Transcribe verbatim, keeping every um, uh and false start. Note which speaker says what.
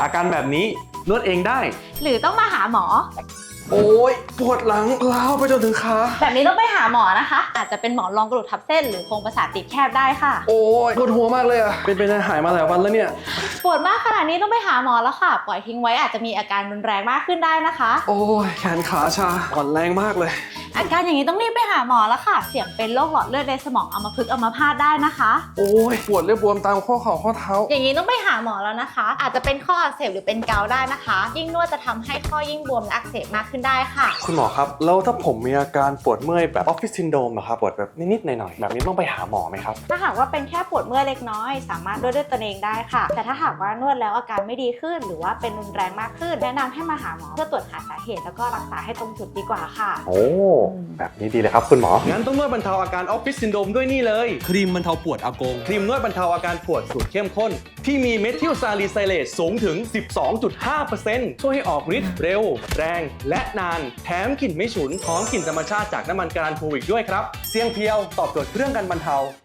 Speaker 1: อาการแบบนี้นวดเองได้
Speaker 2: หรือต้องมาหาหมอ
Speaker 1: โอ้ยปวดหลังล้าวไปจนถึงขา
Speaker 2: แบบนี้ต้องไปหาหมอนะคะ อาจจะเป็นหมอนรองกระดูกทับเส้นหรือโครงประสาทติดแคบได้ค่ะ
Speaker 1: โอ้ยปวดหัวมากเลยอะเป็นไปได้หายมาหลายวันแล้วเนี่ย
Speaker 2: ปวดมากขนาดนี้ต้องไปหาหมอแล้วค่ะ ปล่อยทิ้งไว้อาจจะมีอาการรุนแรงมากขึ้นได้นะคะ
Speaker 1: โอ้ยแขนขาชาอ่อนแรงมากเลย
Speaker 2: อาการอย่างนี้ต้องรีบไปหาหมอแล้วค่ะ เสี่ยงเป็นโรคหลอดเลือดในสมองอัมพฤกษ์อัมพาตได้นะคะ
Speaker 1: โอ้ยปวดเรียบบวมตามข้อเข่าข้อเท้า
Speaker 2: อย่างนี้ต้องไปหาหมอแล้วนะคะ อาจจะเป็นข้ออักเสบหรือเป็นเกาต์ได้นะคะ ยิ่งนวดจะทำให้ข้อยิ่งบวมและอักเสบมากขึ้นได้ค่ะ
Speaker 1: คุณหมอครับแล้วถ้าผมมีอาการปวดเมื่อยแบบออฟฟิศซินโดรมอะครับปวดแบบนิดๆหน่อยๆแบบนี้ต้องไปหาหมอไหมครับ
Speaker 2: ถ้าหากว่าเป็นแค่ปวดเมื่อยเล็กน้อยสามารถนวดด้วยตนเองได้ค่ะ แต่ถ้าหากว่านวดแล้วอาการไม่ดีขึ้น หรือว่าเป็นรุนแรงมากขึ้น แนะนำให้มาหาหมอเพื่อตรวจหาสาเหตุแล้วก็รักษาให้ตรงจุดดีกว่าค่ะ
Speaker 1: โอ้แบบนี้ดีเลยครับคุณหมองั้นต้องนวดบรรเทาอาการออฟฟิศซินโดรมด้วยนี่เลยครีมบรรเทาปวดอากงครีมนวดบรรเทาอาการปวดสูตรเข้มข้นที่มีเมทิลซาลิไซเลตสูงถึง สิบสองจุดห้าเปอร์เซ็นต์ ช่วยให้ออกฤทธิ์เร็ว แรง และนานแถมกลิ่นไม่ฉุนหอมกลิ่นธรรมชาติจากน้ำมันการันทูอีกด้วยครับเสียงเพียวตอบโจทย์เรื่องการบรรเทา